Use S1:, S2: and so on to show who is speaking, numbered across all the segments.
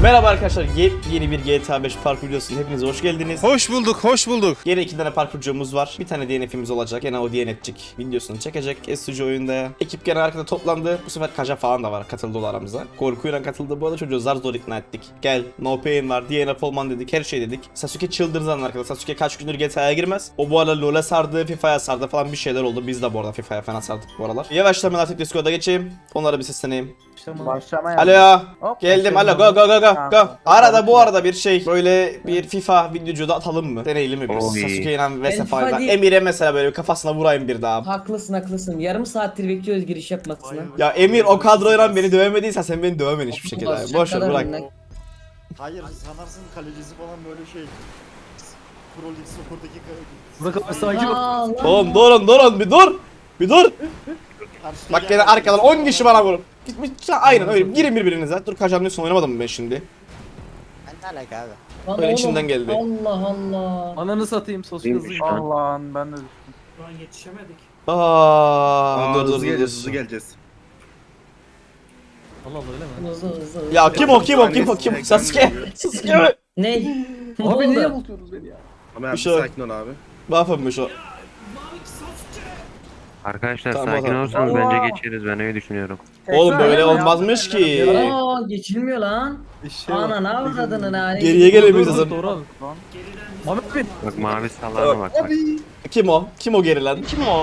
S1: Merhaba arkadaşlar, yeni bir GTA 5 parkur videosuna hepiniz hoş geldiniz.
S2: Hoş bulduk, hoş bulduk.
S1: Yine 2 tane parkurcumuz var. Bir tane DNF'imiz olacak. Gene o DNF'cik videosunu çekecek. SUG oyunda. Ekip gene arkada toplandı. Bu sefer Kaja falan da var. Katıldı aramıza. Korkuyla katıldı. Bu arada çocuğu zar zor ikna ettik. Gel, no pain var. DNF olman dedik. Her şey dedik. Sasuke çıldırdı arkadaşlar. Sasuke kaç gündür GTA'ya girmez. O bu arada LoL'e sardı, FIFA'ya sardı falan bir şeyler oldu. Biz de bu arada FIFA'ya falan sardık bu aralar. Yavaştan ben artık Discord'a geçeyim. Onlara bir sesleneyim.
S3: Başlamaya.
S1: Alo.
S3: Hop,
S1: Geldim. Alo,
S3: başladım.
S1: go go go go go.
S3: Tamam.
S1: Arada bu arada bir şey böyle bir FIFA videocu da atalım mı? Deneyelim mi biz?
S4: Oy.
S1: Sasuke ile
S5: Ben
S1: vs
S5: FIFA
S1: falan.
S5: değil.
S1: Emir'e mesela böyle kafasına vurayım bir daha.
S5: Haklısın. Yarım saattir bekliyoruz giriş yapmasını.
S1: Ya Emir o kadroyla beni dövemediysen sen beni dövemedin hiçbir şekilde.
S5: Basacak
S1: Boş ver
S5: kadar
S1: bırak.
S5: önüne.
S6: Hayır sanarsın kalecisi falan böyle şey. Pro Lig Soccer'daki
S3: Burak abi sakin ol.
S5: Allah.
S1: Oğlum durun bir dur. Bir dur.
S6: karşı
S1: Bak gene arkadan 10 kişi bana vurup. Gitmiş aynen öyle girin birbirinize. Dur Kajan diyorsun oynamadım mı ben şimdi?
S6: Ben ne alaka abi?
S5: Lan
S1: Öyle
S5: oğlum,
S1: içinden geldi.
S5: Allah Allah.
S3: Ananı satayım sosyal hızlıyım.
S7: Allah'ın ben de
S1: Aaa dur dur
S2: hızlı geleceğiz,
S1: dur.
S2: hızlı geleceğiz.
S3: Allah Allah öyle mi?
S5: Hızlı.
S1: Ya kim o? Sasuke. Sasuke mi?
S5: Ne? Ne
S3: Abi niye
S5: oldu?
S3: bultuyorsunuz beni ya?
S2: Ama
S1: Bir
S2: abi
S1: şey yok.
S2: sakin ol abi.
S1: Mahvolmuş o.
S4: Arkadaşlar
S1: Tamam,
S4: sakin
S1: tamam.
S4: olursanız
S3: Allah.
S4: bence geçeriz, ben öyle düşünüyorum.
S1: Oğlum böyle
S5: ya.
S1: olmazmış ki.
S5: Aa geçilmiyor lan. Ana ne avradının hali.
S1: Geriye gelemeyiz
S3: Doğru,
S1: zaten.
S3: doğru abi. Mehmet abi.
S4: Bak mavi sallarına bak. Bak.
S1: Kim o? Kim o gerilen?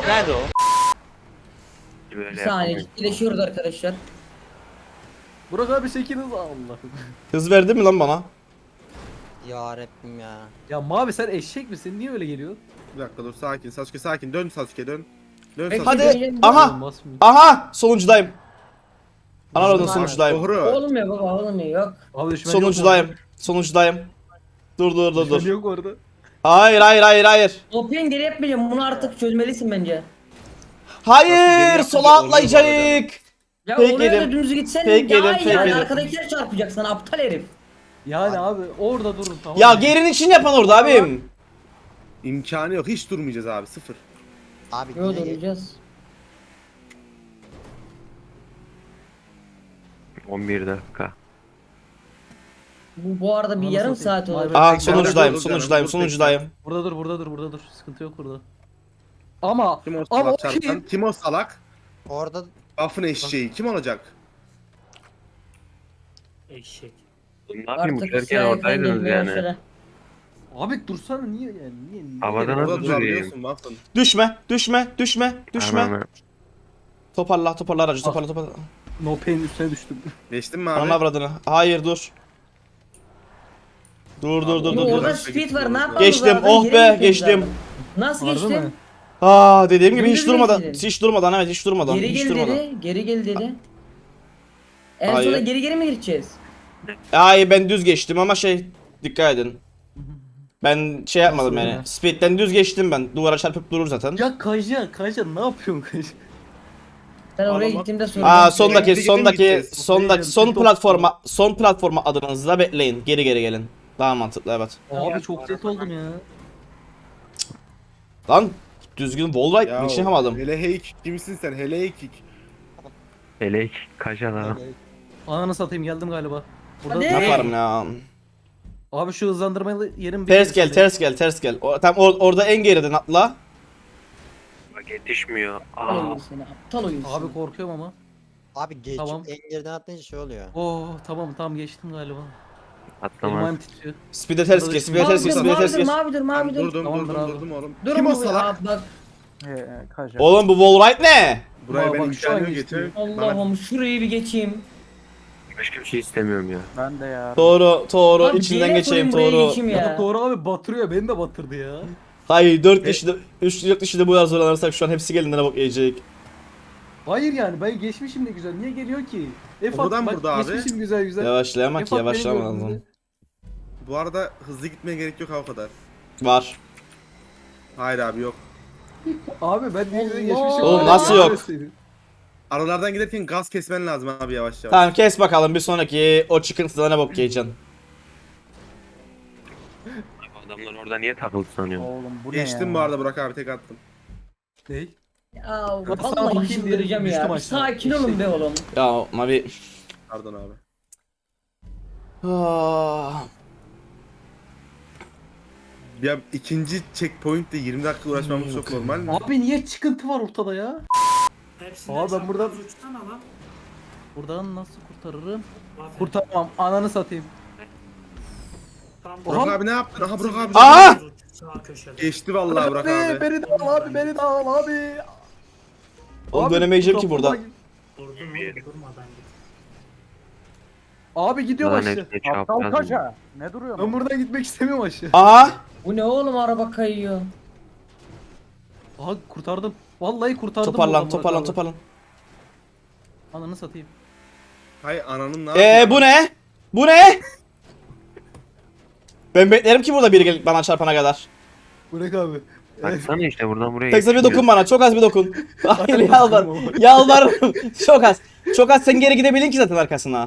S4: Böyle
S5: Bir saniye
S4: yapalım.
S5: ciddileşiyoruz arkadaşlar.
S3: Burak abi çekiniz Allah.
S1: Hız verdi mi lan bana?
S6: Ya Rabbim ya.
S3: Ya mavi sen eşek misin? Niye öyle geliyor?
S2: Bir dakika dur sakin. Sasuke sakin. Dön Sasuke dön. Dön
S3: Peki.
S2: Sasuke.
S1: Hadi. Aha.
S3: Olmaz mı?
S1: Aha. Sonuncudayım. Anadolu'nun sonuncudayım.
S2: Doğru.
S5: Olmuyor baba olmuyor yok.
S3: Abi düşman
S1: Sonuncudayım. Sonuncudayım. Dur.
S3: Düşman yok orada.
S1: Hayır.
S5: Topin geri yapmayacağım bunu artık çözmelisin bence.
S1: Hayır.
S2: Nasıl
S1: Sola
S2: geri
S1: atlayacak.
S5: Ya
S1: Fake
S5: oraya da
S1: yedim.
S5: dümdüz gitsen
S1: Fake
S5: daha
S1: yedim,
S5: iyi
S1: fake
S5: yani
S1: yedim.
S5: arkadakiler çarpacak sana aptal herif.
S3: Yani abi orada durun tamam.
S1: Ya
S3: mı?
S1: gerinin için yapan orada abim.
S2: İmkanı yok. Hiç durmayacağız abi. Sıfır.
S6: Abi
S5: Yo
S6: niye
S5: duracağız.
S4: 11 dakika.
S5: Bu arada bir
S3: Ananı
S5: yarım
S3: satayım.
S5: saat olacak.
S3: Vay be.
S1: Aa
S2: Dur,
S1: sonuncudayım.
S2: dur,
S1: Sonuncudayım.
S3: Burada dur. Sıkıntı yok burada. Ama
S2: Kim o
S3: ama o
S2: salak çarptan?
S3: kim?
S2: Kim o salak?
S6: Orada
S2: Buff'ın eşeği. Kim olacak?
S4: Ne yapayım
S5: Artık
S4: uçarken
S5: hikaye
S4: oradaydınız
S5: gelmeye
S4: yani.
S5: başladı.
S3: Abi dursana niye yani? Niye
S4: Havada
S3: gerek-
S4: nasıl
S2: Orada
S4: durayım?
S2: durabiliyorsun Buff'ın.
S1: Düşme.
S4: Ananı.
S1: Toparla aracı toparla.
S3: No pain üstüne düştüm.
S2: Geçtin mi
S1: Ananı
S2: abi?
S1: avradını. Hayır dur. Dur.
S5: Yo,
S2: dur.
S5: orada speed var ne yapalım?
S1: Geçtim,
S5: zaten,
S1: oh
S5: geri
S1: be,
S5: gideceğiz
S1: geçtim.
S5: zaten. Nasıl
S3: Harbi mi?
S5: geçtin?
S1: Aa dediğim gibi hiç
S5: Dümdüz
S1: durmadan.
S5: geçtin.
S1: Hiç durmadan evet hiç durmadan.
S5: Geri
S1: Hiç
S5: gel
S1: durmadan.
S5: dedi. Geri gel dedi. En
S1: Hayır.
S5: sona geri mi gideceğiz?
S1: Ay ben düz geçtim ama dikkat edin. Ben şey yapmadım
S3: Nasıl
S1: yani.
S3: ya?
S1: Speed'den düz geçtim ben. Duvara çarpıp durur zaten.
S3: Ya Kaja ne yapıyorsun Kaja?
S5: Ben oraya
S2: Ağlama.
S5: gittiğimde sorun.
S1: Aa
S5: yok.
S1: sondaki
S2: gideceğiz.
S1: son platforma adınızla bekleyin. Geri gelin. Daha mantıklı evet.
S3: Abi çok set oldum ya.
S1: Lan düzgün wall ride
S2: Ya
S1: niçin yapamadım?
S2: hele heyk. Kimsin sen? Hele heyk.
S4: Elek kaşa lan.
S3: Ananı satayım geldim galiba. Burada
S5: Hadi.
S1: Ne yaparım ya?
S3: Abi şu hızlandırmalı yerim
S1: Ters gel. Tam orada en geriden atla.
S4: Bak yetişmiyor.
S5: Aptal
S4: Aa.
S5: oyun seni. Aptal oyun
S3: Abi
S5: seni.
S3: korkuyorum ama.
S6: abi geç
S3: Tamam.
S6: en geriden atlayınca şey oluyor.
S3: Oh tamam geçtim galiba. Elim
S4: Atlamaz.
S3: ayağım titriyor.
S1: Speed'e ters geç. Speed'e ters geç. Speed'e ters geç.
S5: Mavidir.
S2: Durdum
S3: Tamamdır abi.
S2: oğlum.
S5: Dur
S2: Kim o
S5: bu
S2: salak?
S5: ya, bak.
S7: Kaja.
S1: Oğlum bu wall ride ne?
S2: Buraya
S3: Bak,
S2: ben
S3: şu an
S2: imkanı yok
S3: geçtim.
S2: getir. Bana
S5: Allah'ım şurayı bir geçeyim.
S4: Başka bir şey istemiyorum ya.
S7: Ben de ya.
S1: Doğru
S5: Abi,
S1: içinden
S5: DNF
S1: geçeyim
S5: oyun buraya
S1: doğru.
S5: geçeyim
S3: Ya.
S5: ya.
S3: Doğru abi batırıyor beni de batırdı ya.
S1: Hayır 4 kişi 4 kişi de bu kadar zorlanırsak şu an hepsi gelinlere bak yiyecek.
S3: Hayır yani ben geçmişim de güzel. Niye geliyor ki?
S2: Buradan
S3: bak,
S2: burada abi.
S3: Geçmişim güzel.
S1: Yavaşlayamak
S3: Efat beni
S1: yavaşlama
S3: gördü.
S1: lazım.
S2: Bu arada hızlı gitmeye gerek yok ha o kadar.
S1: Var.
S2: Hayır abi yok.
S3: Abi ben niye
S5: Allah.
S3: geçmişim?
S1: Oğlum, nasıl yok?
S2: Aralardan giderken gaz kesmen lazım abi yavaş yavaş.
S1: Tamam kes bakalım bir sonraki o çıkıntıda ne bok yiyeceksin.
S4: Adamlar orada niye takıldı sanıyorum.
S7: Oğlum bu ne
S2: Geçtim
S7: ya?
S2: bu arada Burak abi tek attım.
S3: Ney?
S5: Ya
S3: sana
S5: vallahi
S3: bakayım diye
S5: çıldıracağım
S3: düştüm
S5: ya. Bir
S3: aşağı.
S5: sakin olun be oğlum.
S1: Ya Mavi.
S2: Pardon abi.
S1: Ah.
S2: Ya ikinci checkpoint'te 20 dakika uğraşmamız çok normal mi?
S3: Abi niye çıkıntı var ortada ya?
S8: Hepsinden
S3: Aa, ben buradan-
S8: çapraz uçsana lan.
S3: Buradan nasıl kurtarırım?
S8: Aferin.
S3: Kurtarmam. Ananı satayım.
S8: Tam
S2: Burak
S3: Aha.
S2: abi ne yaptın? Aha Burak abi.
S1: Aa!
S8: Sağ köşede.
S2: Geçti vallahi Burak abi.
S3: Beni de al abi, beni de al abi.
S1: Oğlum
S3: Abi,
S1: dönemeyeceğim ki
S3: kurtarma-
S1: buradan.
S8: Durdun oğlum durmadan git.
S3: Abi gidiyor
S4: Lan
S3: başı.
S4: hepsini
S7: Aptal
S4: çapraz.
S7: kaça. Ne duruyorsun?
S3: Ben buradan gitmek istemiyorum aşağı.
S1: Aha.
S5: Bu ne oğlum, araba kayıyor.
S3: Aha kurtardım. Vallahi kurtardım.
S1: Toparlan
S3: buradan Murat
S1: toparlan
S3: abi.
S1: toparlan.
S3: Ananı satayım.
S2: Hay ananın ne yapıyor?
S1: Bu ne? Bu ne? Ben beklerim ki burada biri gelip bana çarpana kadar.
S3: Bırak abi.
S4: Baksana işte buradan buraya
S1: Tekse bir
S4: geçiyor.
S1: dokun bana, çok az bir dokun. Hayır yalvar. Yalvarırım. Çok az. Çok az, sen geri gidebilin ki zaten arkasına.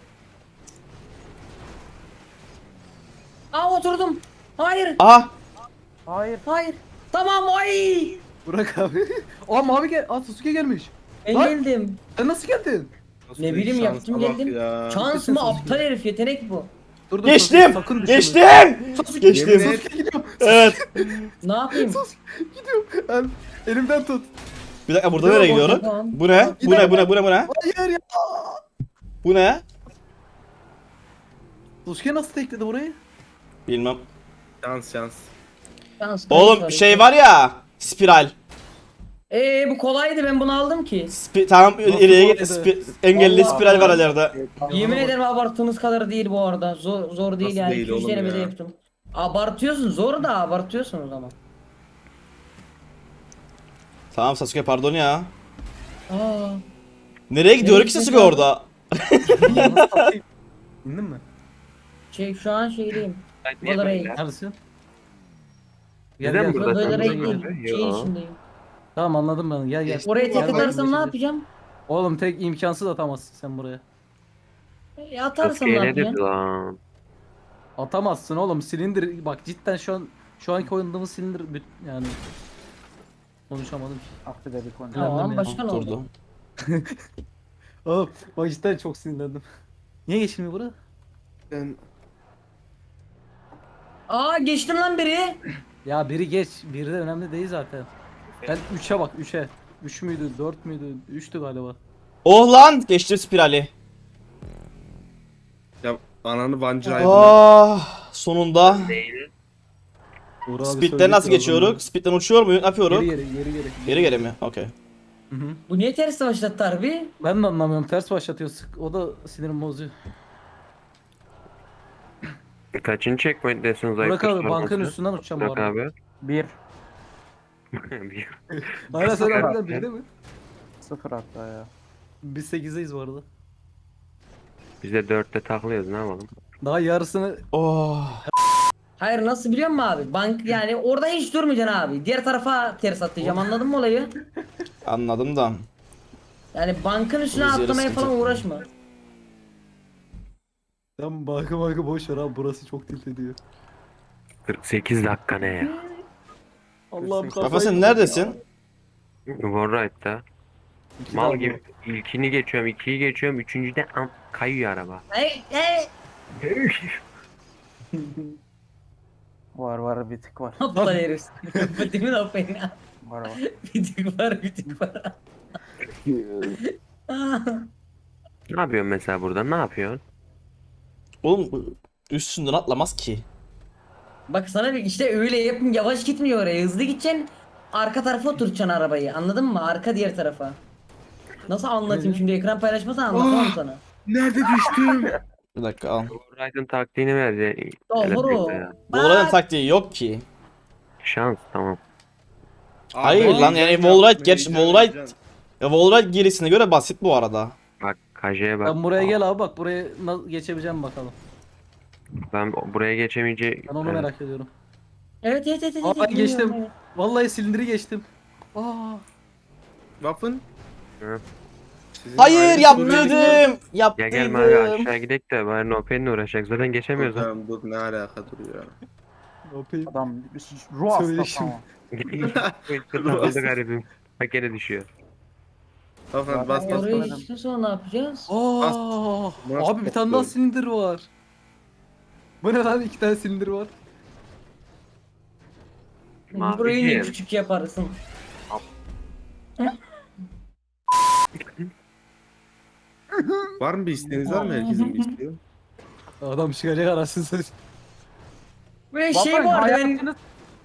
S5: Aa, oturdum. Hayır.
S1: Aha.
S7: Hayır.
S5: Hayır. Tamam, ay.
S3: Bırak abi. Aa mavi gel. Aa Sasuke gelmiş.
S5: Ben
S3: Lan.
S5: geldim.
S3: Sen nasıl geldin?
S5: Ne bileyim,
S2: Şansa
S5: yaptım
S2: bak
S5: geldim.
S2: ya.
S5: Şans mı, aptal herif, yetenek bu.
S3: Dur,
S1: Geçtim.
S3: Sasuke, sakın düşme.
S1: Geçtim.
S2: Yemin
S1: Geçtim.
S2: et.
S3: Sasuke gidiyorum.
S1: Evet.
S5: Ne yapayım?
S3: Gidiyorum. Elimden tut.
S1: Bir dakika, burada
S3: Tamam,
S1: nereye gidiyorum?
S5: tamam.
S1: Bu ne? Bu ne? Bu ne? Bu ne? Bu ne?
S3: Hayır ya.
S1: Bu ne?
S3: Sasuke nasıl tekledi burayı?
S1: Bilmem.
S2: Şans şans.
S5: Şans,
S1: Oğlum
S5: kayıp
S1: şey var ya. Spiral.
S5: Bu kolaydı, ben bunu aldım ki.
S1: Tamam
S3: Nasıl
S1: ileriye
S3: bu
S1: git.
S3: arada?
S1: Engelli
S5: Allah
S1: spiral var
S5: Allah.
S1: ileride.
S5: Yemin ederim abarttığınız kadar değil bu arada. Zor değil
S2: Nasıl
S5: yani.
S2: değil
S5: 200
S2: oğlum
S5: denemede
S2: ya?
S5: yaptım. Abartıyorsun, zor da abartıyorsunuz ama.
S1: Tamam Sasuke, pardon ya.
S5: Aa,
S1: Nereye gidiyor ki Sasuke orada?
S3: İndin mi?
S5: şu an şeydeyim.
S4: Ay, niye
S5: Valorant.
S4: böyle?
S3: Neredesin?
S4: Neden burada? Sen
S5: Valorant
S4: burada
S5: değil,
S4: geliyor.
S5: şeyin
S4: Yo.
S5: içindeyim.
S3: Tamam anladım ben. Gel gel.
S5: Oraya tek
S3: Gel,
S5: atarsam
S3: gel.
S5: ne yapacağım?
S3: Oğlum tek imkansız atamazsın sen buraya.
S5: Atarsam ne
S4: Sasuke'ye ne
S5: yapacağım?
S4: dedi lan?
S3: Atamazsın oğlum. Silindir bak cidden şu anki oynadığımız silindir yani konuşamadım ki.
S7: Affederik onu.
S5: Tamam,
S3: ya.
S5: başka ne oldu?
S1: Durdu.
S3: Oğlum bak cidden çok sinirlendim. Niye geçilmiyor bura?
S2: Ben
S5: Aa, geçtim lan biri.
S3: Ya biri geç. Biri de önemli değil zaten. Ben 3'e bak 3'e. 3 müydü 4 müydü 3'tü galiba.
S1: Oh lan, geçtim spirali.
S2: ya ananı vancıraydım.
S1: Ah, sonunda.
S4: Değil.
S3: Uğur abi
S1: Speed'den
S3: söyledi
S1: nasıl
S3: ki
S1: geçiyoruz? Speed'den uçuyor muyuz? Ne yapıyoruz?
S3: Geri.
S1: Geri geri mi? Okey.
S3: Hı hı.
S5: Bu niye ters başlattı harbi?
S3: Ben de anlamıyorum. Ters başlatıyor. O da sinirim bozuyor.
S4: Kaçıncı checkpoint'tesin zayıf
S3: Burak abi
S4: kuşlar
S3: bankın
S4: nasıl?
S3: üstünden uçacağım bu
S4: Burak
S3: arada.
S4: abi.
S7: 1.
S3: Hala sen
S4: Sıfır
S3: harbiden
S4: attı.
S3: birde mi?
S7: 0 hatta ya.
S3: Biz 8'deyiz bu arada.
S4: Biz de 4'te taklıyoruz, ne yapalım?
S3: Daha yarısını
S1: Oh.
S5: Hayır, nasıl biliyor musun abi? Bank yani orada hiç durmayacaksın abi. Diğer tarafa ters atlayacağım, anladın mı olayı?
S1: Anladım da.
S5: Yani bankın üstüne
S1: Biz yarı
S5: atlamaya
S1: sıkıntı.
S5: falan uğraşma.
S3: Sen banka boş ver abi burası çok tilt ediyor.
S4: 48 dakika ne ya?
S3: Allah'ım
S1: Kafa, sen neredesin?
S4: Warright'ta. Mal gibi. İlkini geçiyorum, ikiyi geçiyorum, üçüncüde kayıyor araba.
S5: Hey hey.
S7: Var bir tık var.
S5: Aptal herif. Değil mi lan beni?
S7: Var.
S5: Bir tık var, bir tık var.
S4: Ne yapıyorsun mesela burada? Ne yapıyorsun?
S1: Oğlum bu üstünden atlamaz ki.
S5: Bak sana bir işte öyle yapın, yavaş gitmiyor oraya, hızlı gideceksin. Arka tarafa oturacaksın arabayı, anladın mı? Arka diğer tarafa. Nasıl anlatayım şimdi, ekran paylaşmasan anlatamam sana.
S2: Nerede düştüm?
S1: Bir dakika al.
S4: Warright'ın taktiğini verdi.
S5: Doğru.
S1: Bu oranın taktiği yok ki.
S4: Şans, tamam.
S1: Hayır
S2: Abi,
S1: lan, yani
S2: heyecan
S1: Wallride
S2: yapma,
S1: geç,
S2: heyecan,
S1: Wallride
S2: heyecan.
S1: ya Wallride gerisine göre basit bu arada.
S4: Bak Kaje'ye bak.
S3: Sen buraya gel abi bak buraya nasıl geçebileceğim bakalım.
S4: Ben buraya geçemeyince...
S3: Ben onu merak ediyorum.
S5: Evet.
S3: Aa, ben
S5: bilmiyorum,
S3: geçtim.
S5: evet.
S3: Vallahi silindiri geçtim. Aa.
S2: Waffen?
S4: Hı.
S2: Sizin
S1: Hayır,
S2: ayrı
S1: yaptırdım.
S4: Ya gel abi
S1: Yaptırdım.
S4: aşağı gidelim de bari Nopen'le uğraşacak. Zaten geçemiyoruz lan.
S2: Tamam, dur ne alaka duruyor.
S7: Adam ruh hasta
S3: Söyleşim.
S7: tamam.
S4: Takıldı garibim. Bak gene düşüyor.
S2: Waffen bas bas
S5: Oraya
S2: bas.
S5: geçtikten sonra ne yapacağız?
S3: Aa.
S2: Murat
S3: Abi bir tane daha
S2: topluyor.
S3: silindir var. Bu ne lan, 2 tane silindir var.
S5: Burayı ne
S4: Maviciğim.
S5: küçük yaparsın.
S2: Var mı bir isteğiniz var mı? Herkesin bir isteği.
S3: Adam çıkacak arasını satayım.
S5: Ve şey bu arada ben...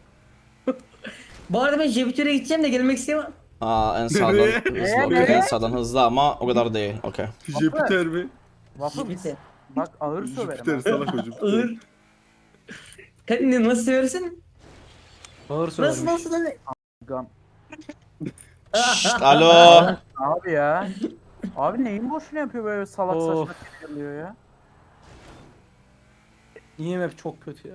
S5: Bu arada ben Jüpiter'e gideceğim de gelmek istemem.
S1: Aa en sağdan
S2: Nereye?
S1: hızlı. Okey, en sağdan hızlı ama o kadar değil. Okey.
S2: Jüpiter mi?
S7: Waffle
S5: Jüpiter.
S7: bak ağır söverim.
S2: Jüpiter
S7: ha.
S2: salak o Jüpiter.
S5: Ağır. Kendini nasıl seversin?
S3: Ağır söylemiş.
S5: Nasıl nasıl?
S7: Gan.
S1: Şşt, alo.
S7: Abi ya. Abi neyin boşuna yapıyor böyle salak
S3: Of.
S7: saçma şey geliyor ya.
S3: IMF çok kötü ya.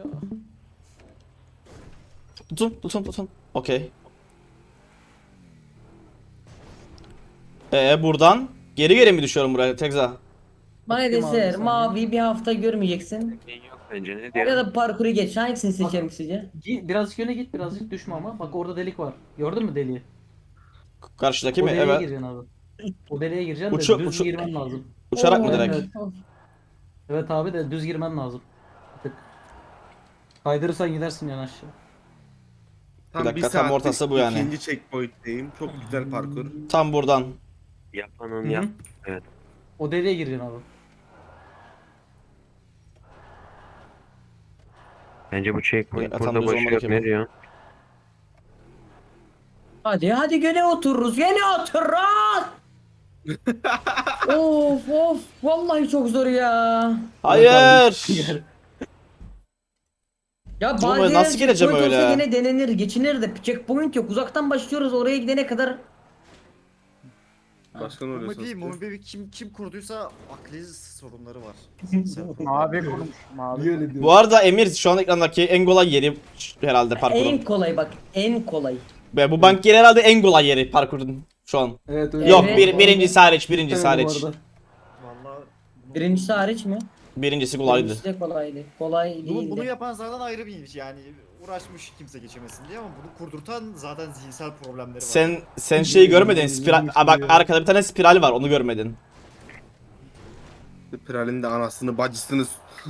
S1: Tutun. Okey. Buradan geri mi düşüyorum buraya Tekza?
S5: Bana
S3: Bakayım abi
S5: deseler
S3: sen
S5: mavi bir hafta görmeyeceksin.
S4: Yok bence ne
S5: Ya
S4: diyelim.
S5: da parkuru geç. Hangisini seçerim sizce?
S3: Birazcık öne git, birazcık düşme ama. Bak orada delik var. Gördün mü deliği?
S1: Karşıdaki
S3: O
S1: mi?
S3: deliğe
S1: Evet.
S3: gireceksin abi. O deliğe gireceksin
S1: Uçu-
S3: de düz
S1: uçu-
S3: girmen lazım.
S1: Uçarak mı
S5: Oo,
S1: direkt?
S5: evet, of.
S3: Evet abi de düz girmen lazım. Bir tık. Kaydırırsan gidersin yan aşağı.
S2: Tam
S1: Bir dakika,
S2: bir
S1: tam
S2: saattir
S1: ortası bu yani.
S2: İkinci checkpoint'teyim. Çok güzel parkur.
S1: Tam buradan.
S4: Yapanın
S3: Hı hı.
S4: yap. Evet.
S3: O deliğe gireceksin abi.
S4: Bence bu checkpoint
S1: Ya, tam
S4: burada
S1: düz
S4: boş
S1: olmadı
S4: yok.
S1: ki
S4: Ne
S1: bu.
S4: diyor?
S5: Hadi gene otururuz. Gene otururuz. Of vallahi çok zor ya.
S1: Hayır.
S5: Ya
S1: Oğlum,
S5: bazı
S1: nasıl
S5: yerler
S1: geleceğim
S5: checkpoint olsa
S1: öyle?
S5: gene denenir, geçinir de checkpoint yok. Uzaktan başlıyoruz oraya gidene kadar.
S2: Başka ne oluyor
S6: Mumi
S2: sonuçta?
S6: Mumi Bey kim kurduysa akli sorunları var.
S7: Mavi kurmuş. Mavi.
S1: Bu arada Emir şu an ekrandaki en kolay yeri herhalde parkurun.
S5: En kolay bak, en kolay.
S1: Ve bu bank yeri herhalde en kolay yeri parkurun şu an.
S3: Evet öyle.
S1: Yok
S5: Evet.
S1: birincisi hariç, birincisi
S3: Evet, bu
S1: hariç.
S3: arada.
S6: Vallahi
S5: Birincisi hariç mi?
S1: Birincisi kolaydı.
S5: Birincisi de kolaydı. Kolay
S6: bunu
S5: değildi.
S6: yapan zaten ayrı bir iş yani uğraşmış kimse geçemesin diye ama bunu kurdurtan zaten zihinsel problemleri var.
S1: Sen şeyi görmedin. Spiral. Aa, bak arkada bir tane spiral var. Onu görmedin.
S2: Spiralin de anasını bacısını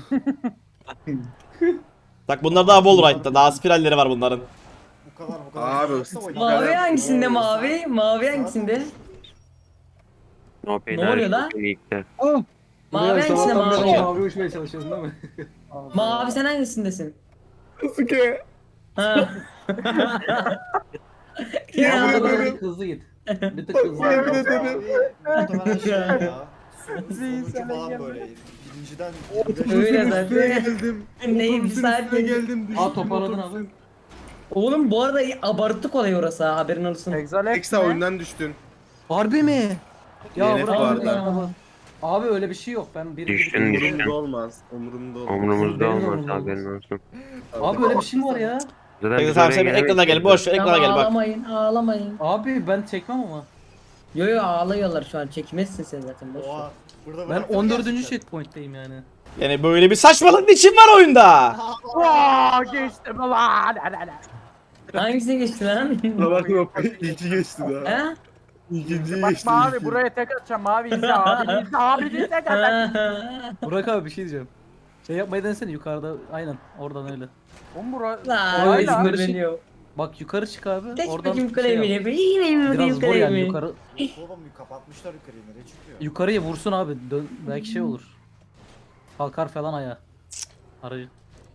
S1: Bak bunlar daha Wallride'da. Daha spiralleri var bunların.
S6: Bu kadar
S2: Abi,
S6: zorluksa o
S5: Mavi
S6: yani.
S5: hangisinde mavi? Mavi hangisinde?
S4: No pain
S5: Ne oluyor lan?
S4: Lig'de.
S5: Mavi
S3: Buraya
S5: hangisinde
S3: sabahtan beri
S5: mavi?
S3: mavi uçmaya çalışıyorsun değil mi?
S5: Mavi sen hangisindesin?
S2: Sasuke.
S5: Ha. ya.
S3: Ama bir tık hızlı git. Bir tık hızlı.
S2: Yemin
S3: git.
S2: ederim.
S6: Muhtemelen şey ya. Sonucu falan böyle. Birinciden
S5: Öyle
S2: Üstüne
S5: zaten.
S2: geldim.
S5: Neyim
S2: Otobüsün
S5: saat
S2: üstüne geldim.
S3: Aa
S2: düştüm
S3: toparladın
S2: otobüsten.
S3: abi.
S5: Oğlum bu arada abartı kolay orası ha, haberin olsun.
S7: Exalex
S2: Eksa
S7: mi?
S2: oyundan düştün.
S3: Harbi mi? Ya
S2: DNF
S3: bırak
S2: vardı.
S3: onu ya. Abi öyle bir şey yok. Ben bir
S4: Düştün, düştün.
S2: Umurumda olmaz. Umurumda olmaz.
S4: Umrumuzda
S3: Benim
S4: olmaz
S3: umurumda
S4: haberin olsun.
S3: Abi öyle bir şey mi var ya?
S4: Zaten
S1: Peki
S4: biz
S1: tamam
S4: oraya
S1: sen bir ekrana gel.
S4: gelemeyiz.
S1: Boş ver ekrana
S5: Tamam,
S1: gel bak.
S5: ağlamayın.
S3: Abi ben çekmem ama.
S5: Yo ağlıyorlar şu an, çekmezsin sen zaten boş ver.
S6: oha. Burada
S3: Ben
S6: bıraktım
S3: 14.
S6: gerçekten.
S3: checkpoint'teyim yani.
S1: Yani böyle bir saçmalık niçin var oyunda?
S7: Vaa geçtim lan.
S5: Hangisine geçti lan?
S2: Bak İki geçti daha.
S5: ha?
S2: İkinciyi
S7: Bak
S2: geçti.
S7: mavi
S2: iki.
S7: buraya tek atacağım. Mavi izle abi izle abi izle kardeşim.
S3: Burak abi bir şey diyeceğim. Şey yapmayı denesene yukarıda. Aynen oradan öyle.
S7: Oğlum bura.
S5: Lan
S3: Orayla
S5: İzmir
S3: abi.
S5: beniyor.
S3: Bak yukarı çık abi.
S5: Tek
S3: Oradan
S5: bakayım
S3: şey
S5: kalemi
S3: yap.
S5: ne be? Yine mi
S3: Biraz zor yani yukarı.
S6: Oğlum kapatmışlar yukarıyı nereye çıkıyor?
S3: Yukarıya vursun abi. Dön, belki şey olur. Kalkar falan ayağa. Aracı.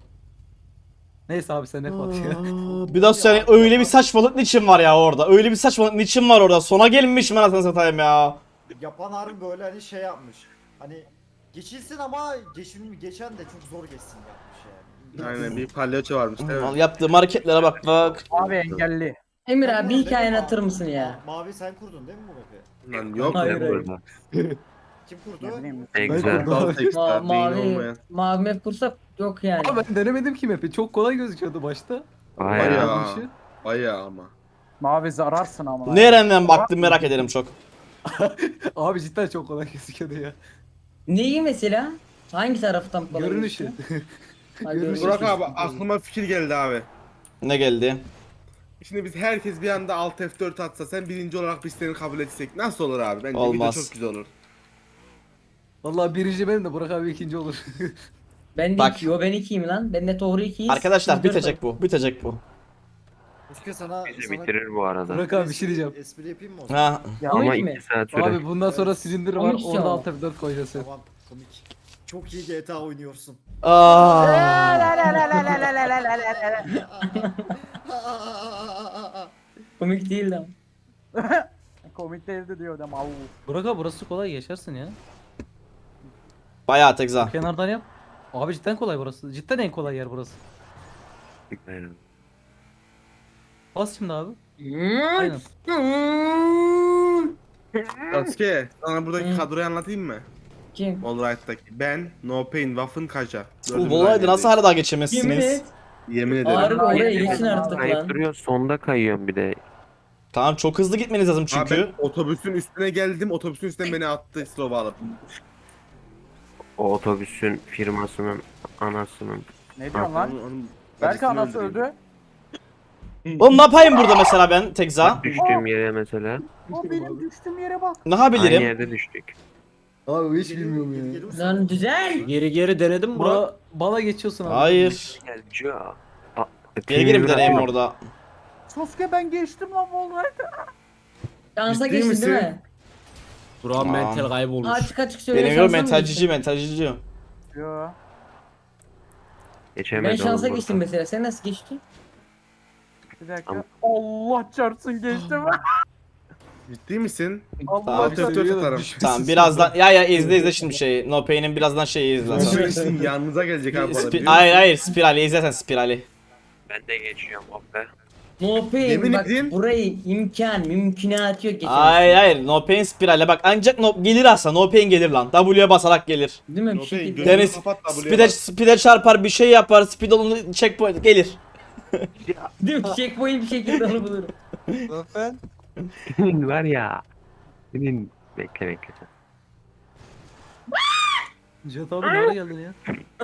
S3: Neyse abi sen ne bak ya.
S1: Bir daha söyle öyle bir saçmalık niçin var ya orada? Öyle bir saçmalık niçin var orada? Sona gelmiş mi anasını satayım ya?
S6: Yapan harbi böyle hani şey yapmış. Hani geçilsin ama geçen de çok zor geçsin yapmış yani.
S2: Aynen bir palyaço varmış değil mi?
S1: Yaptığım hareketlere bak bak.
S7: Abi engelli.
S5: Emir
S6: Sen
S5: abi bir
S6: kurdun
S5: hikaye
S6: değil mi
S5: anlatır
S6: Mavi?
S5: mısın ya?
S6: Mavi sen kurdun değil mi bu map'i?
S2: Lan yok.
S5: Hayır,
S4: Ben
S5: hayır.
S4: burada.
S6: Kim kurdu?
S7: Ne bileyim.
S4: En güzel.
S2: Dal tekrar beyin
S5: Mavi
S2: olmayan.
S5: map kursak yok yani.
S3: Ama ben denemedim ki map'i. Çok kolay gözüküyordu başta.
S4: Bayağı.
S2: Bayağı.
S3: Bu işi.
S2: Bayağı ama.
S7: Mavi zararsın ama.
S1: Nereden baktın merak ederim çok.
S3: Abi cidden çok kolay gözüküyordu ya.
S5: Neyi mesela? Hangi taraftan kolay
S3: Görünüşü.
S5: gözüküyor? Ha,
S3: Görünüşü.
S5: görünüşü.
S2: Burak abi aklıma fikir geldi abi.
S1: Ne geldi?
S2: Şimdi biz herkes bir anda Alt F4 atsa sen birinci olarak biz seni kabul etsek nasıl olur abi? Bence
S1: Olmaz.
S2: video çok güzel olur.
S3: Vallahi birinci benim de Burak abi ikinci olur.
S5: Ben de
S1: Bak.
S5: iki. Yo ben ikiyim lan. Ben de Tohru ikiyiz.
S1: Arkadaşlar
S5: Siz dört
S1: bitecek bu. Bitecek bu.
S6: Sasuke sana
S4: Bizi bitirir bu arada.
S3: Burak abi bir şey diyeceğim.
S6: espri yapayım mı o zaman?
S1: Ha.
S5: Komik
S4: Ama
S5: mi?
S4: 2 saat sürer.
S3: Abi bundan sonra silindir var.
S5: Komik
S3: Orada
S5: ya.
S3: alt F4 koyacağız sen.
S6: Tamam komik. Çok iyi GTA oynuyorsun.
S1: Aa.
S5: Komik değil lan.
S7: Komik değildi diyor adam. Au.
S3: Burak abi burası kolay geçersin ya.
S1: Bayağı Tekza.
S3: Kenardan yap. Abi cidden kolay burası. Cidden en kolay yer burası.
S4: Aynen.
S3: Bas şimdi abi. Aynen.
S2: Sasuke sana buradaki
S5: Hı.
S2: kadroyu anlatayım mı?
S5: Kim?
S2: Allright'taki ben, No Pain, Waffen, Kaja.
S1: Bu
S2: Dördümüz
S1: olaydı
S2: aynı
S1: nasıl
S2: yerdeyiz.
S1: hala
S5: Yemin
S1: geçemezsiniz?
S5: et.
S2: Yemin ederim.
S5: Harbi oraya
S7: Aynen.
S5: geçsin artık
S4: Kayıp
S5: lan.
S4: duruyor, sonda kayıyorum bir de.
S1: Tamam çok hızlı gitmeniz lazım
S2: Abi
S1: çünkü.
S2: ben otobüsün üstüne geldim, otobüsün üstüne beni attı slow'a alıp.
S4: O otobüsün firmasının anasının.
S7: Ne diyorsun lan?
S2: Onun
S7: Belki
S2: acısını
S7: anası
S2: öldüreyim.
S7: öldü.
S1: Oğlum ne yapayım burada mesela ben Tekza?
S4: Düştüğüm yere mesela.
S7: O benim düştüğüm yere bak.
S1: Ne
S4: Aynı
S1: yapabilirim?
S4: yerde düştük.
S6: Abi hiç bilmiyorum ya.
S5: Lan güzel.
S9: Geri denedim Burak.
S3: Bala geçiyorsun abi.
S1: Hayır.
S4: Gel Joe.
S1: Geri geri bir deneyim orada.
S7: Sasuke ben geçtim lan vallahi.
S5: Şansa
S2: Ciddi
S5: geçtin değil
S2: misin?
S5: mi?
S9: Burak'ın
S1: Tamam.
S9: mental kaybolmuş.
S5: Açık açık söyle.
S1: Benim yok
S5: şansa mı
S1: mentalcici
S5: geçtin?
S1: mentalcici.
S7: Yo.
S4: Geçemedi
S5: Ben şansa
S4: oğlum
S5: geçtim
S4: burada.
S5: mesela. Sen nasıl geçtin?
S7: Bir dakika.
S4: Tamam.
S7: Allah çarpsın geçtim.
S2: Ciddi misin?
S7: Allah
S2: Alt
S7: çarpsın.
S2: F4 atarım.
S1: Tamam birazdan ya izle şimdi şeyi. No Pain'in birazdan şeyi izle. sen.
S2: Düşürsün yanınıza gelecek abi bu arada. biliyor
S1: Hayır
S2: musun?
S1: hayır spirali izlesen spirali.
S4: Ben de geçiyorum oh be.
S5: No pain.
S2: Yemin
S5: Bak
S2: edeyim.
S5: burayı mümkünatı yok geçemezsin.
S1: Hayır hayır No Pain spirale bak ancak no, gelir aslında No Pain gelir lan. W'ye basarak gelir.
S5: Değil mi? Bir
S2: No pain,
S5: şekilde.
S2: gözünü
S1: Deniz
S2: kapat da buraya
S1: speed'e
S2: bak.
S1: speed'e çarpar bir şey yapar speed onu checkpoint gelir.
S5: Değil mi? Checkpoint bir şekilde onu bulurum.
S4: Senin var ya. Senin bekle sen.
S3: Cihat abi nereye geldin ya?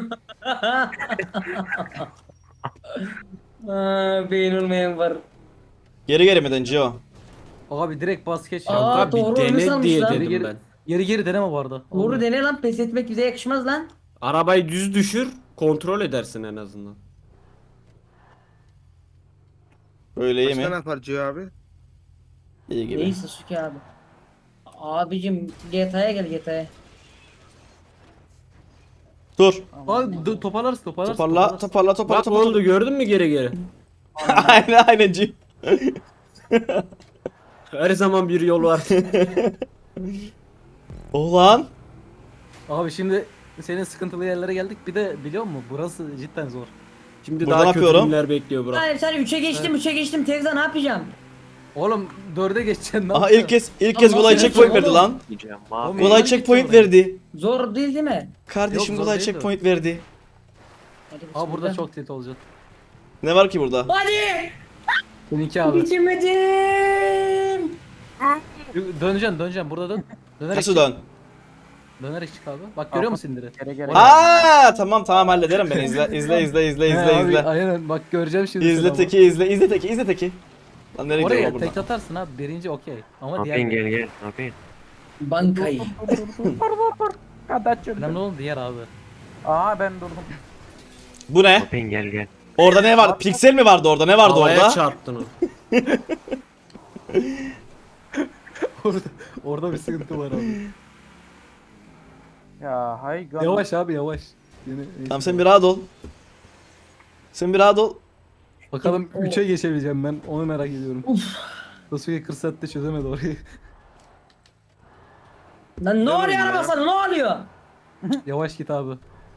S5: Aa, beyin olmayan var.
S1: Geri mi dönüyor?
S3: Abi direkt bas geç ya.
S5: Aa,
S9: Abi
S5: doğru öyle
S9: dene
S5: sanmış
S9: diye
S5: lan.
S9: dedim
S3: Geri-
S9: ben.
S3: Geri deneme bu arada.
S5: Doğru dene lan, pes etmek bize yakışmaz lan.
S9: Arabayı düz düşür, kontrol edersin en azından.
S1: Öyle iyi
S2: Başka ne
S1: mi?
S2: yapar Ciho abi?
S1: İyi gibi.
S5: Neyse Suki abi. Abicim GTA'ya gel GTA'ya.
S1: Dur.
S3: Abi toparlarsın.
S1: Toparla toparla toparla
S9: Bak ne
S1: toparla.
S9: oldu gördün mü geri?
S1: aynen aynen Cim.
S9: Her zaman bir yol var.
S1: Ulan.
S3: Abi şimdi senin sıkıntılı yerlere geldik. Bir de biliyor musun burası cidden zor.
S9: Şimdi
S1: Burada
S9: daha
S1: ne
S9: kötü
S1: yapıyorum?
S9: günler bekliyor Burak.
S5: Hayır sen 3'e geçtim 3'e geçtim Tevza ne yapacağım?
S3: Oğlum 4'e geçeceksin. ne
S1: Aha
S3: yapacaksın?
S1: ilk kez
S5: Ama
S1: kolay
S5: sen
S1: checkpoint
S5: oğlum.
S1: verdi lan.
S4: Diyeceğim
S3: Oğlum,
S4: abi.
S1: Kolay
S3: Meydan
S1: checkpoint
S3: geçiyor
S1: verdi.
S5: Zor değil değil mi?
S1: Kardeşim
S3: Yok,
S1: kolay
S3: zor değil
S1: checkpoint verdi.
S5: Hadi
S3: Abi burada
S5: bismillah.
S3: çok tilt olacak.
S1: Ne var ki burada?
S5: Hadi!
S3: Seninki abi.
S5: Geçemedim!
S3: Döneceksin burada dön. Dönerek
S1: Nasıl
S3: çık.
S1: dön?
S3: Dönerek çık abi. Bak görüyor musun indiri?
S7: Geri
S1: Aa tamam hallederim ben izle
S3: Abi,
S1: izle.
S3: aynen bak göreceğim şimdi.
S1: İzle
S3: seni
S1: teki izle teki. Lan nereye
S3: ama.
S1: gidiyor
S3: Oraya
S1: lan
S3: tek
S1: burada?
S3: atarsın abi. Birinci okey. Ama
S4: Ne
S3: diğer
S4: yapayım gel ne yapayım?
S5: Bankayı.
S3: önemli olan diğer abi.
S7: Aa ben durdum.
S1: Bu
S4: Ne
S1: ne?
S4: yapayım gel.
S1: Orada ne vardı? Piksel mi vardı orada? Ne vardı
S9: Havaya
S1: orada?
S9: çarptın o.
S3: Orada bir sıkıntı var abi.
S7: Ya hay gan.
S3: Yavaş abi yavaş. Yine,
S1: Tamam sen bir rahat ol. Sen bir rahat ol.
S3: Bakalım 3'e geçebileceğim ben. Onu merak ediyorum. Sasuke 40 saatte çözemedi orayı.
S5: Lan ne oluyor
S2: ya?
S5: araba sana ne oluyor?
S3: Yavaş git abi.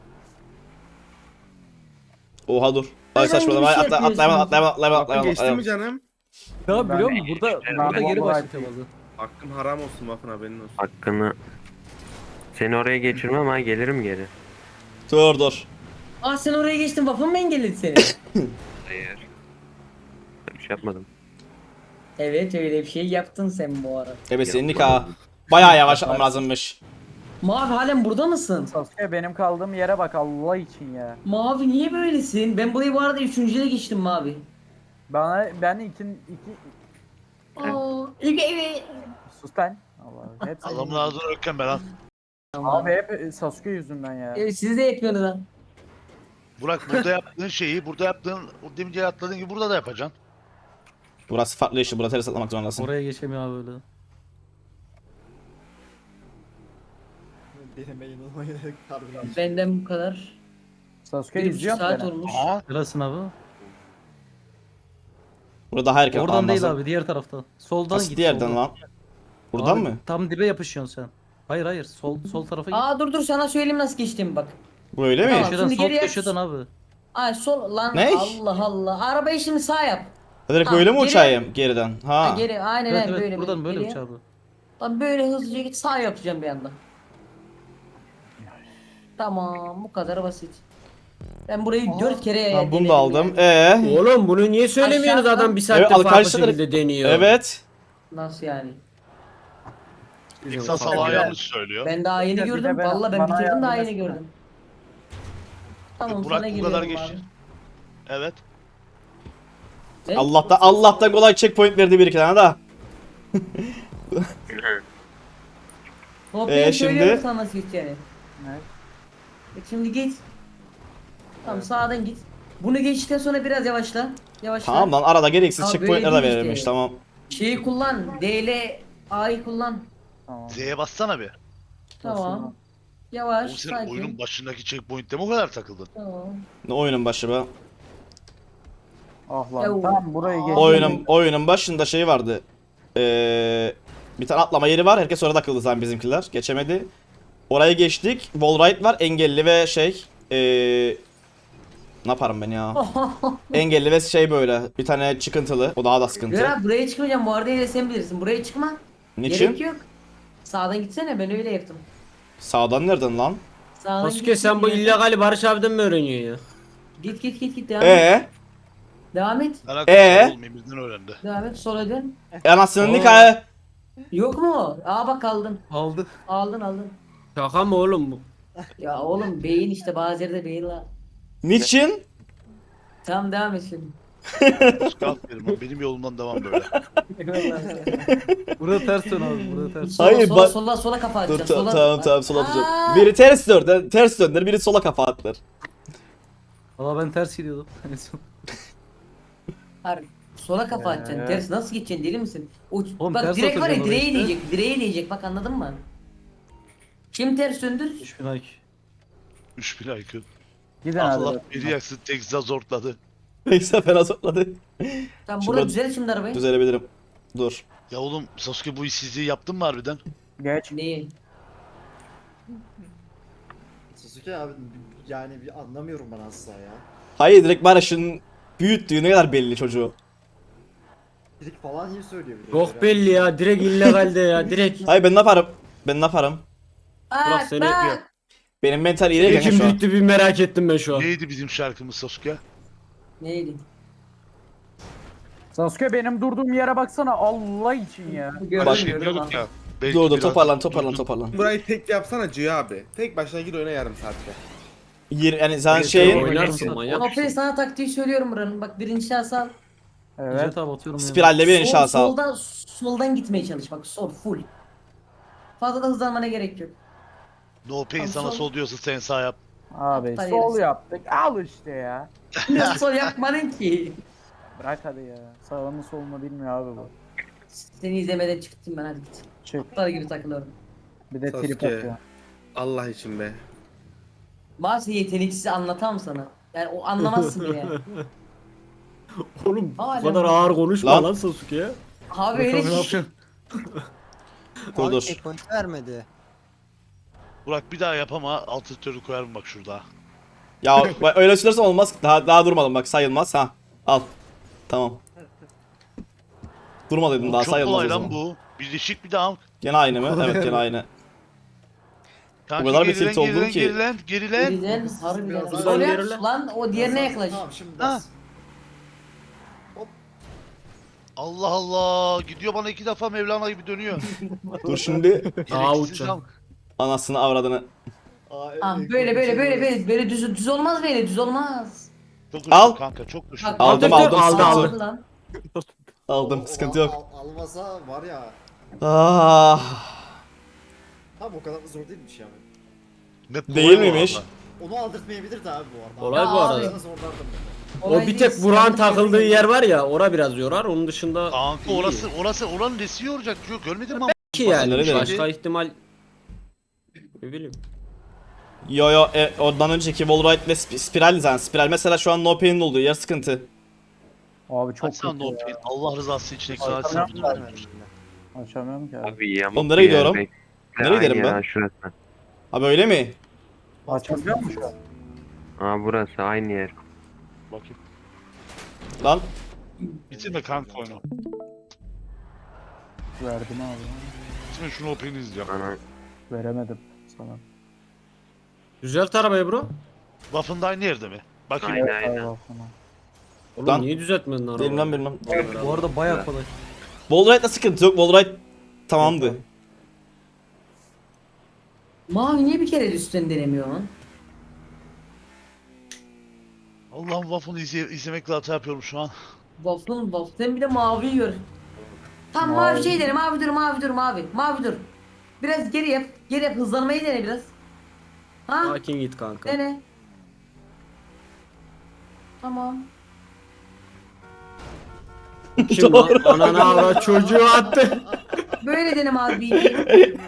S1: Oha dur. Ay
S5: Neden
S1: saçmalama.
S5: bir şey
S1: Atlayama
S5: yapıyorsun?
S2: Geçti mi canım?
S3: Ne abi biliyor musun? Burada
S7: ben
S3: geri
S7: vallahi-
S3: başlatıyor bazen.
S2: Hakkın haram olsun Waffen haberin olsun.
S4: Hakkını. Seni oraya geçirmem ama gelirim geri.
S1: Dur.
S5: Ah sen oraya geçtin Waffen mı engelledi seni?
S4: Hayır. Bir şey yapmadım.
S5: Evet öyle bir şey yaptın sen bu ara.
S1: Evet seninlik ha. Bayağı yavaş atmam lazımmış.
S5: Mavi halen burada mısın?
S7: Sasuke benim kaldığım yere bak Allah için ya.
S5: Mavi niye böylesin? Ben burayı bu arada 3.'ye geçtim Mavi.
S7: Ben iki
S5: Aa,
S7: sus lan. Allah hep
S10: Adamın ağzını ökken ben lan.
S7: abi hep Sasuke yüzünden ya.
S5: Siz de yapıyorsunuz lan.
S10: Burak burada yaptığın şeyi, burada yaptığın, o demince atladığın gibi burada da yapacaksın.
S1: Burası farklı işte. Burada teres atlamak zorundasın.
S3: Oraya geçemiyor abi öyle.
S6: Deneme yanılmayı harbiden.
S5: Benden bu kadar.
S7: Sasuke
S5: 1,5
S7: izliyor
S5: saat
S7: beni.
S5: olmuş.
S10: Aha.
S3: Neresin abi?
S1: Burada daha erken
S3: Oradan
S1: atlamam
S3: değil
S1: lazım.
S3: abi, diğer taraftan. Soldan
S1: Nasıl
S3: git.
S1: diğerden
S3: soldan.
S1: lan? Buradan
S3: Abi,
S1: mı?
S3: Tam dibe yapışıyorsun sen. Hayır hayır, sol tarafa git.
S5: Dur dur sana söyleyeyim nasıl geçtiğimi bak.
S1: Böyle mi?
S5: Tamam.
S3: Köşeden,
S5: şimdi
S3: sol
S5: geriye-
S3: köşeden abi.
S5: Ay sol lan
S1: Ne?
S5: Allah Allah. Arabayı şimdi sağ yap.
S1: Direkt
S5: Ha,
S1: böyle mi
S5: geri-
S1: uçayım geriden?
S5: Ha.
S1: Ha.
S5: Geri aynen
S3: Evet
S5: öyle
S3: evet,
S5: böyle
S3: buradan böyle
S5: geriye.
S3: uç abi.
S5: Lan böyle hızlıca git sağ yapacağım bir anda. Tamam bu kadar basit. Ben burayı 4 kere
S1: Tamam, bunu
S5: denedim
S1: da aldım.
S5: ya.
S9: Oğlum bunu niye söylemiyorsunuz?
S5: Aşağıdan-
S9: Adam bir saattir
S1: Evet,
S9: farklı
S1: arkadaşlar-
S9: şekilde deniyor.
S1: Evet.
S5: Nasıl yani?
S10: İksa salağı yanlış söylüyor.
S5: Ben daha yeni
S7: Bir de
S5: gördüm.
S7: ben-
S5: Vallahi ben
S7: bana
S5: bitirdim daha
S7: yardım
S5: yeni
S7: etsene.
S5: gördüm. Tamam
S10: Burak
S5: sana
S10: bu kadar
S5: geliyorum
S10: geçti.
S5: abi.
S10: Evet.
S5: Ne?
S1: Allah'tan kolay checkpoint verdi bir iki tane daha.
S5: Hop
S1: Ee,
S5: ben
S1: şimdi?
S5: söylüyorum sana nasıl gideceğini.
S7: Evet.
S5: Şimdi git. Tamam sağdan git. Bunu geçtikten sonra biraz yavaşla. Yavaşla.
S1: Tamam lan arada gereksiz
S5: Abi
S1: checkpointler de
S5: böyle değil
S1: verilmiş
S5: işte.
S1: tamam.
S5: Şeyi kullan. D ile A'yı kullan.
S7: Tamam.
S10: Z'ye bassana bir.
S5: Tamam. Yavaş,
S10: Oğlum sen
S5: sakin.
S10: oyunun başındaki checkpoint'te mi o kadar takıldın?
S5: Tamam.
S1: Ne oyunun başı be?
S7: Ah lan
S5: Yav.
S7: tamam burayı geç.
S1: Oyunun başında şey vardı. Bir tane atlama yeri var. Herkes orada takıldı zaten bizimkiler. Geçemedi. Orayı geçtik. Wallride var. Engelli ve şey. Ne yaparım ben ya? Engelli ve şey böyle. Bir tane çıkıntılı. O daha da sıkıntı.
S5: Göra buraya çıkmayacağım. Bu arada yine sen bilirsin. Buraya çıkma. Gerek
S1: Niçin?
S5: yok. Sağdan gitsene ben öyle yaptım.
S1: Sağdan nereden lan?
S5: Sağdan
S9: Sasuke sen bu illegali Barış abiden mi öğreniyorsun ya?
S5: Git devam et. Devam et.
S10: Alakası olmayayım bizden öğrendi.
S5: Devam et sola dön.
S1: Anasının
S9: Oo.
S1: nikahı.
S5: Yok mu? Bak aldın.
S3: Aldı.
S5: Aldın.
S9: Şaka mı oğlum bu?
S5: Ya oğlum beyin işte bazı yerde beyin la.
S1: Niçin?
S5: Tamam devam et şimdi.
S10: Aferin, benim yolumdan devam böyle.
S3: Burada ters dön abi, burada ters.
S5: Sola,
S1: Hayır,
S5: sola,
S1: bak-
S5: sola kafa
S1: Dur
S5: atacaksın.
S1: tamam sola atacağım.
S5: Aa!
S1: Biri ters döndür, biri sola kafa atlar.
S3: Valla ben ters gidiyordum. En son.
S5: Hayır, sola kafa atacaksın. Ters nasıl gideceksin deli misin?
S3: Oğlum,
S5: Bak
S3: ters
S5: direkt var ya
S3: oturacağım oraya
S5: direğe
S3: işte.
S5: değecek. Direğe değecek bak anladın mı? Kim ters döndür?
S3: 3000 IQ.
S10: 3000 IQ.
S7: Gidin hadi.
S10: Allah
S7: bak.
S10: biri yaksın Texas zortladı.
S1: Neyse fena zorladı.
S5: Tamam
S1: Şurada-
S5: burada düzel şimdi arabayı.
S1: Düzelebilirim. Dur.
S10: Ya oğlum Sasuke bu işsizliği yaptın mı harbiden?
S7: Geç.
S5: Neyi?
S6: Sasuke abi yani bir anlamıyorum ben asla ya.
S1: Hayır direkt Barış'ın büyüttüğü ne kadar belli çocuğu.
S6: Trik falan iyi söylüyor bir de.
S9: Çok belli ya. Direkt illegalde ya. Direkt.
S1: Hayır ben ne yaparım? Ben ne yaparım?
S9: Burak seni yapıyor.
S1: Benim mental iyi değil kanka
S9: Kim
S1: şu an.
S9: bitti bir merak ettim ben şu an.
S10: Neydi bizim şarkımız Sasuke?
S5: Neydi?
S7: Sasuke benim durduğum yere baksana Allah için ya.
S5: Gördüm
S10: Başka
S5: gördüm
S10: diyorduk
S5: abi.
S10: ya. belki
S1: Dur
S10: biraz
S1: toparlan
S10: durdum.
S2: Burayı tek yapsana Cüye abi. Tek başına gir oyna yarım saatte.
S1: Yani sen
S9: Oynarsın,
S1: şeyin
S9: oynarsın manyak
S5: Aferin
S9: mısın?
S5: sana taktiği söylüyorum buranın. Bak birinci şahıs al.
S7: Evet.
S3: Evet abi atıyorum.
S1: spiralle bir inşa sal.
S5: Soldan gitmeye çalış bak sol full. Fazla da hızlanmana gerek yok.
S10: No pain
S5: Tamam,
S10: sana
S5: sol.
S10: sol diyorsa sen sağ yap.
S7: Abi
S5: Aptal
S7: sol
S5: herif.
S7: yaptık. Al işte ya.
S5: Nasıl sol yapmadın ki?
S7: Bırak hadi ya. Sağını solunu bilmiyor abi bu.
S5: Seni izlemeden çıktım ben hadi git.
S7: Çık.
S5: Aptal gibi takılıyorum.
S7: Bir de trip
S2: Sasuke.
S7: atıyor.
S2: Allah için be.
S5: Bazı yeteneksiz anlatamam sana. Yani o anlamazsın bile.
S9: Oğlum
S5: Hala
S9: bu kadar
S5: mı?
S9: ağır konuşma
S1: Lan.
S9: lan Sasuke.
S5: Abi öyle ki.
S1: Dur.
S6: vermedi.
S10: Burak bir daha yapama altı koyarım bak şurada.
S1: Ya bak, öyle söylersen olmaz. Daha durmadım bak sayılmaz ha. Al. Tamam. Durma dedim daha
S10: Çok
S1: sayılmaz
S10: kolay
S1: o
S10: lan
S1: zaman.
S10: bu. Birleşik bir daha.
S1: Gene aynı mı? Evet gene aynı.
S10: Kanka,
S1: kadar bir
S10: gerilen,
S1: tilt oldum
S10: gerilen,
S1: ki.
S10: gerilen.
S5: Güzel, harbiden.
S6: Biraz
S5: Sol
S9: daha
S5: yap
S9: ilerle.
S5: lan o diğerine yaklaş.
S6: Tamam şimdi
S10: Ha.
S6: bas.
S10: Allah Allah. Gidiyor bana 2 defa Mevlana gibi dönüyor.
S1: Dur şimdi
S9: Daha
S10: Gereksiz
S9: uçacağım.
S10: zam.
S1: anasını avradını.
S5: Ah böyle düz olmaz böyle düz olmaz.
S10: Çok
S1: Al.
S10: düştüm kanka çok düştüm.
S5: Bak,
S1: Aldım
S9: Aldı,
S1: aldım
S9: aldı,
S1: sıkıntı
S9: aldı.
S1: yok.
S5: Aldı lan.
S1: Aldım sıkıntı yok.
S6: Almasa var ya.
S1: Ah.
S6: Tam o kadar da zor değilmiş yani.
S10: Map
S1: Değil
S10: kolay bu
S1: miymiş?
S10: arada.
S6: onu aldırtmayabilirdi abi bu arada.
S9: Olay
S5: Ya
S9: bu
S5: abi.
S9: arada.
S6: Nasıl zorlardım ben.
S9: O
S5: Olay
S9: bir
S5: değil,
S9: tek Burak'ın
S5: sıkıntı
S9: takıldığı
S5: yok.
S9: yer var ya, ora biraz yorar. Onun dışında
S10: Kanka
S9: iyi.
S10: orası oranın nesi yoracak? Yok görmedin mi?
S9: Ki yani
S1: Nerede?
S9: başka ihtimal ne bileyim.
S1: Yo ondan önceki Wallride ve Spiral zaten. Spiral mesela şu an no pain'in olduğu yer sıkıntı.
S7: Abi çok
S10: Açsana
S7: kötü
S10: no
S7: ya.
S10: pain. Allah rızası için ekstra açsana.
S7: Açamıyorum Açamıyorum ki abi.
S4: Abi yamuk
S1: Oğlum nereye
S4: bir yer
S1: gidiyorum?
S4: bekle,
S1: Nereye
S4: aynı
S1: giderim
S4: yer
S1: ben?
S4: ha, Şurası.
S1: Abi öyle mi?
S7: Açabiliyor musun şu an?
S4: Aa burası aynı yer.
S10: Bakayım.
S1: Lan
S10: Bitirme kanka oyunu.
S7: Verdim abi.
S10: Bitirme şunu open izleyeceğim.
S4: Ana
S7: Veremedim sana.
S9: Düzelt arabayı bro.
S10: Waffen da aynı yerde mi? Bakayım.
S4: Aynen
S7: Evet,
S4: aynen.
S7: abi, sana.
S9: Oğlum
S1: Lan.
S9: niye düzeltmedin arabayı?
S1: bilmem.
S3: Bu arada baya kolay.
S1: Wallride'da sıkıntı yok. Wallride tamamdı.
S5: Mavi niye bir kere de üstten denemiyor lan?
S10: Allah'ım Waffen'ı izlemekle hata yapıyorum şu an.
S5: Waffle bir de mavi gör. Tam mavi şey dene, mavi dur. Mavi dur. Biraz geri yap, hızlanmayı dene biraz. Ha?
S9: Sakin git kanka.
S5: Dene. Tamam.
S9: Kim lan? Ananı avrat çocuğu attı.
S5: Böyle dene mavi bir.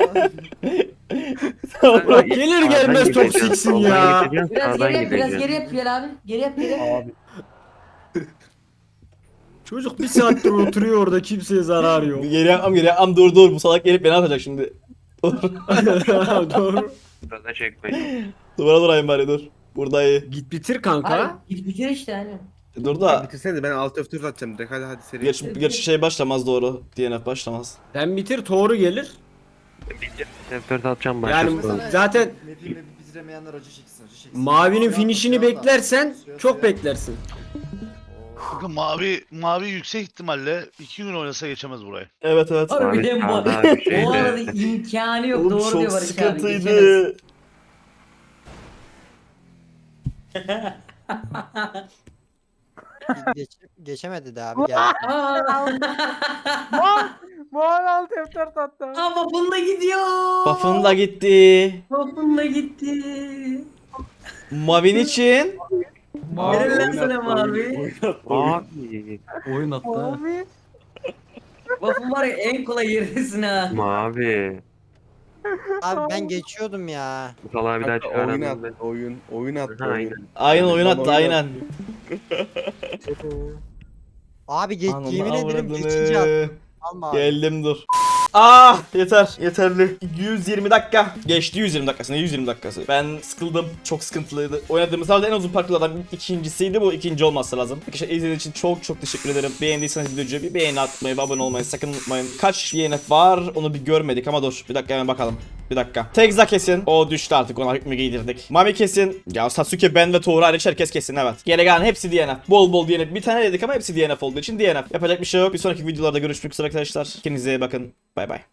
S9: Bak gelir
S4: Sağdan
S9: gelmez
S4: gideceğim,
S9: toksiksin
S4: soldan
S9: ya.
S4: gideceğim,
S5: Biraz
S4: sağdan
S5: geri yap,
S4: gideceğim.
S5: Bilal abi. Geri yap.
S7: Abi
S9: Çocuk bir saattir oturuyor orada, kimseye zarar yok.
S1: Geri yapmam dur bu salak gelip beni atacak şimdi.
S9: Doğru.
S4: Burada çekmeyin.
S1: Duvara durayım bari dur. Burada iyi.
S9: Git bitir kanka.
S5: Hayır, git bitir işte hani.
S1: Dur da.
S2: Bitirsene de ben alt F4 atacağım direkt hadi seri.
S1: Gerçi şey başlamaz doğru. DNF başlamaz.
S9: Sen bitir, Toru gelir.
S4: F4 atacağım
S9: Yani
S4: başlasın.
S9: zaten
S6: Map'i bitiremeyenler acı çeksin.
S9: mavinin
S6: Suya
S9: finishini
S6: atla, suya
S9: beklersen
S6: atla. Suya,
S9: çok
S6: suya.
S9: beklersin.
S10: Kanka mavi yüksek ihtimalle 2 gün oynasa geçemez burayı.
S1: Evet.
S5: Abi bir
S4: sağda bir şeyde.
S5: Bu arada imkanı yok.
S1: Oğlum
S5: Doğru
S1: çok
S5: diyor Barış abi. geçemez.
S1: sıkıntıydı.
S11: Geçemedi de abi gel.
S7: Mavi alt F4 attı.
S5: Ama bunda gidiyor.
S1: Buff'ın da gitti.
S5: Bunda gitti.
S1: Mavin için.
S5: Helal lan sana mavi.
S4: Abi.
S3: Oyun attı. ha.
S7: Abi.
S5: Waffle var ya en kolay yerindesin ha.
S4: Mavi.
S11: Abi ben geçiyordum ya.
S4: Bu salağı bir daha
S2: Kanka, oyun
S4: çıkaralım.
S2: attı oyun attı
S4: Ha, aynen.
S1: Aynen oyun attı
S2: Oyun
S1: aynen.
S11: Abi
S1: Ananı
S11: yemin ederim
S1: avradını.
S11: geçince attım. Alma abi.
S1: Geldim dur. Yeterli. 120 dakika. Geçti 120 dakikası. Ne 120 dakikası? Ben sıkıldım. Çok sıkıntılıydı. Oynadığımız herhalde en uzun parkurlardan ikincisiydi. Bu ikinci olması lazım. Arkadaşlar izlediğiniz için çok teşekkür ederim. Beğendiyseniz videoyu bir beğeni atmayı ve abone olmayı sakın unutmayın. Kaç DNF var onu bir görmedik ama dur. Bir dakika hemen bakalım. Bir dakika. Tekza kesin. O düştü artık, ona hükmü giydirdik. Mami kesin. Ya Sasuke, ben ve Toğru hariç herkes kesin, evet. Geri kalan hepsi DNF. Bol DNF. Bir tane dedik ama hepsi DNF olduğu için DNF. Yapacak bir şey yok. Bir sonraki videolarda görüşmek üzere arkadaşlar. Kendinize iyi bakın. Bay bay.